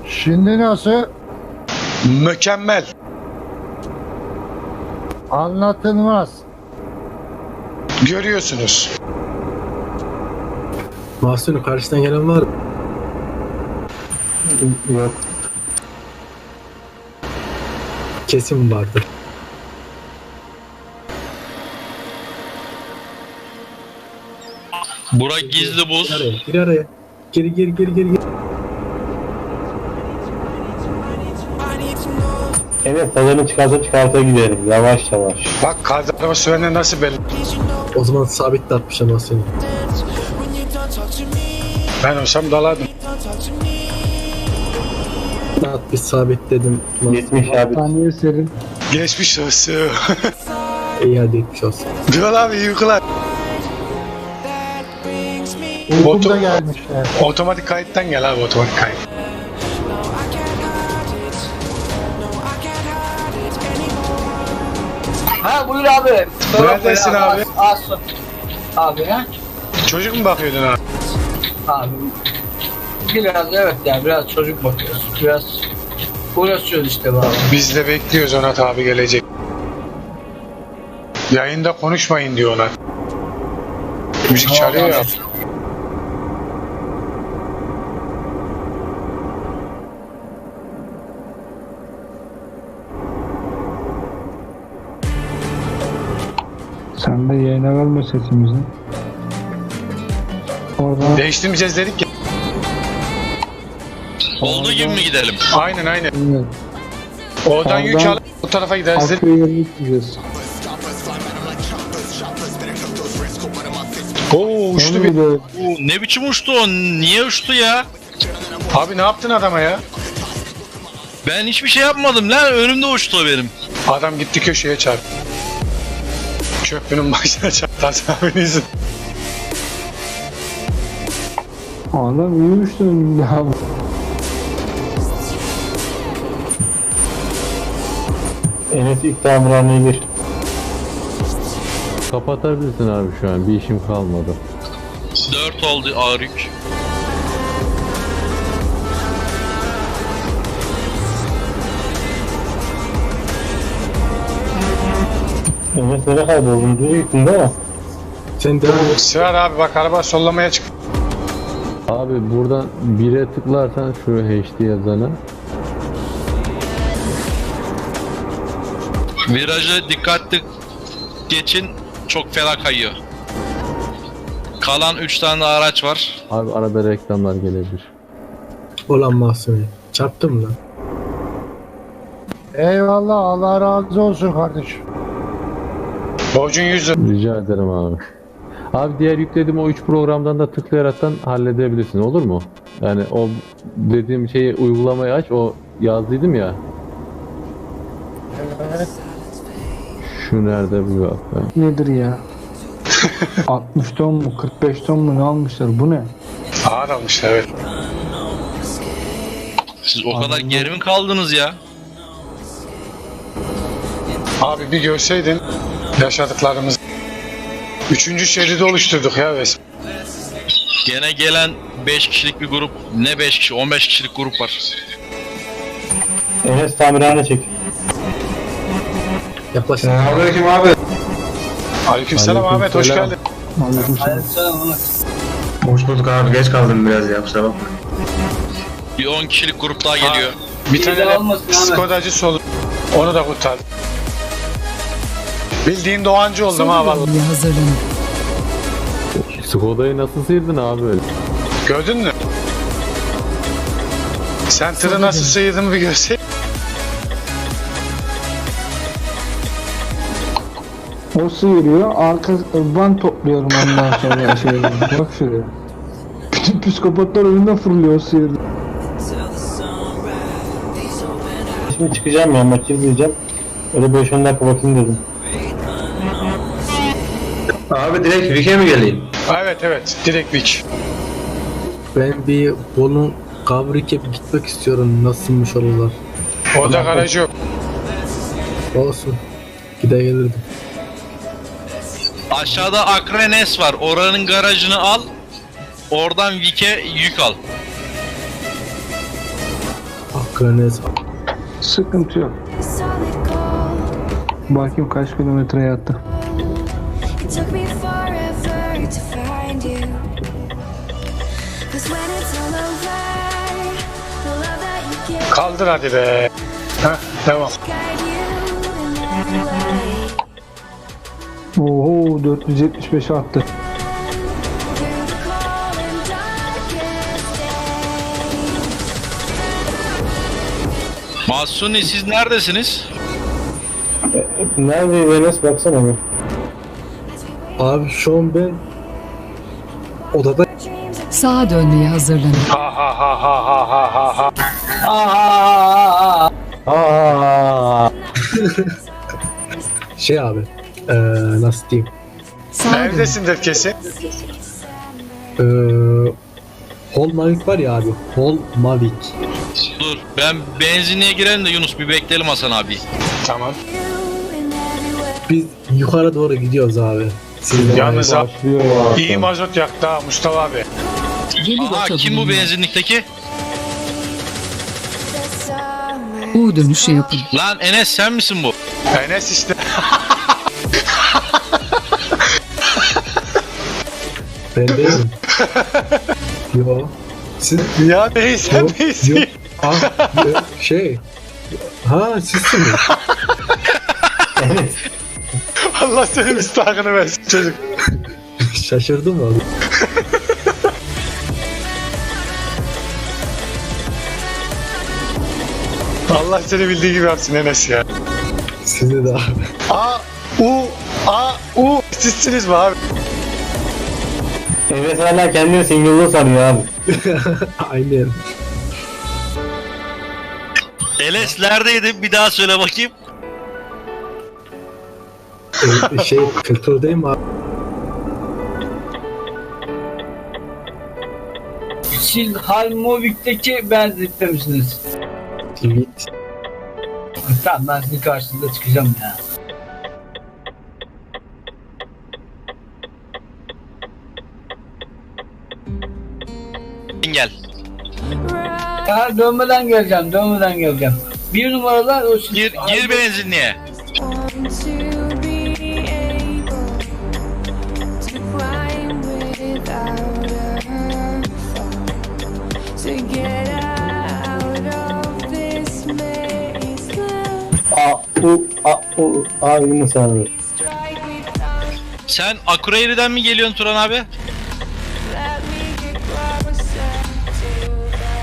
Şimdi nasıl? Mükemmel. Anlatılmaz. Görüyorsunuz. Mahsun'un karşıdan gelen var mı? Yok. Kesin vardır. Burak gizli buz. Gir araya, gir araya. Gir. Evet, pazarını çıkarta gidelim. Yavaş yavaş. Bak kaldırma sürenle nasıl belli. O zaman sabit de atmış ama seni. Ben olsam dalardım. At bir sabit dedim. 70 abi. Saniye serin. Geçmiş olsun. İyi hadi etmiş olsun. Diyor abi yıkılar. Uykumda gelmişler. Otomatik kayıttan gel abi, otomatik kayıt. Ha buyur abi. Neredesin abi? Aslı. Abi ha? Çocuk mu bakıyordun abi? Abi. Biraz evet yani biraz çocuk bakıyoruz. Biraz uğraşıyoruz işte abi. Biz de bekliyoruz, Onat abi gelecek. Yayında konuşmayın diyorlar. Müzik çalıyor ya. Sen de yayına verme sesimizi. Orada Değiştirmeyeceğiz dedik ya. Olduğu gibi mi gidelim? Aynen. evet, Oradan yük Oradan- alıp bu tarafa gideriz dedik. Akkuyu yerine gideceğiz. Oo uçtu bir. Oo, ne biçim uçtu o? Niye uçtu ya? Abi ne yaptın adama ya? Ben hiçbir şey yapmadım lan. Önümde uçtu o benim. Adam gitti köşeye çarptı. Köprünün başına çarptı Hasan abinin izin. Adam yürümüştü önümde abi. Enes ilk tamirhaneye gir. Kapatabilirsin abi şu an. Bir işim kalmadı. 4 oldu ağır yük. Enes nereye kayboldun? Düz gittin değil mi? Sen devam et. Sırar abi, bak araba sollamaya çık. Abi buradan 1'e tıklarsan şu HD yazana. Virajı dikkatli geçin. Çok fena kayıyor. Kalan 3 tane araç var. Abi arada reklamlar gelebilir. Olan Mahsun'u. Çarptım lan. Eyvallah, Allah razı olsun kardeşim. Borcun 100 lira. Rica ederim abi. Abi diğer yüklediğim o 3 programdan da tıklayaraktan halledebilirsin, olur mu? Yani o dediğim şeyi, uygulamayı aç, o yazdıydım ya. Evet. Şu nerede bu bak ben. Nedir ya? 60 ton mu 45 ton mu ne almışlar, bu ne? Ağır almışlar evet. Siz o kadar geri mi kaldınız ya? Abi bir görseydin yaşadıklarımız. 3. şeridi oluşturduk ya resmen. Gene gelen 5 kişilik bir grup. Ne 5 kişi? 15 kişilik grup var. Enes tamirhane çek. Yaklaşık. Aleykümselam Ahmet, hoş Aleykümselam. geldin. Aleykümselam. Selam. Hoş bulduk abi, geç kaldım biraz ya, kusura bakma. Bir 10 kişilik grup daha geliyor. Bir İyi tane de de olmasın Ahmet. Skodacı olur. Onu da kurtardım. Bildiğin Doğancı oldum ha vallahi. Hazırlanın. Skoda'yı nasıl sıyırdın abi öyle? Gördün mü? Sen tırı nasıl sıyırdın bir görseydin. O sıyırıyor, arka ben topluyorum ondan sonra şey. Bak şuraya. Bütün psikopatlar önünden fırlıyor, o sıyırıyor. Şimdi çıkacağım ya, maçı izleyeceğim. Öyle 5-10 dakika bakayım dedim. Abi direkt Vik'e mi geleyim? Evet, direkt Vik. Ben bir Bolu'nun Gavrik'e bir gitmek istiyorum. Nasılmış oralar? Orada garaj yok. Olsun. Gide gelirdim. Aşağıda Akrenes var. Oranın garajını al. Oradan Vik'e yük al. Kıranes. Sıkıntı yok. Bakayım kaç kilometre yattı. It took me forever to find you. 'Cause when it's all over, the love that you give, Kaldır hadi be. Heh, devam. guide you in every way. Oho 475 attı. Through the cold and darkest days. Mahsuni siz neredesiniz? Nerede Enes baksana bir. Abi şu an ben odada Sağa dönmeye hazırlanın. Ha ha ha ha ha ha ha ha. Aa. şey abi nasıl diyeyim Sağa dönün. Evdesindir kesin. Hol Mavic var ya abi. Hol Mavic. Dur ben benzinliğe girelim de Yunus bir bekleyelim Hasan abi. Tamam. Biz yukarı doğru gidiyoruz abi. Siz de Yalnız abi Başlıyor ya. iyi mazot yaktı ha Mustafa abi. Yeni Aha rota kim bu bulunuyor. benzinlikteki? U dönüşü yapın. Lan Enes sen misin bu? Enes işte. Ben değilim. Yo. Siz Ya değil sen Yok, değilsin. yok. Şey. Ha sizsiniz. Allah senin müstahakını versin çocuk. Şaşırdım abi. Allah seni bildiği gibi yapsın Enes ya. Sizi de abi. A, U. Sizsiniz mi abi? Enes hala kendini single'lı sanıyor abi. Aynen. Enes neredeydin? Bir daha söyle bakayım. Şey filtredeyim abi. Siz Halmovik'teki benzinlikte misiniz? Evet. Tamam ben sizin karşınıza çıkacağım ya. Gel. Ha, dönmeden geleceğim. Bir numaralar o siz... Gir benzinliğe. Want to be able to climb without a fall, to get out of this maze. Yunus abi. Strike me down, Sen Akureyri'den mi geliyorsun Turan abi? let me get closer to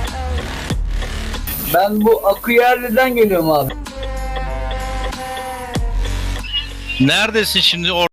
the Ben bu Akıyerli'den geliyorum abi. Neredesin şimdi?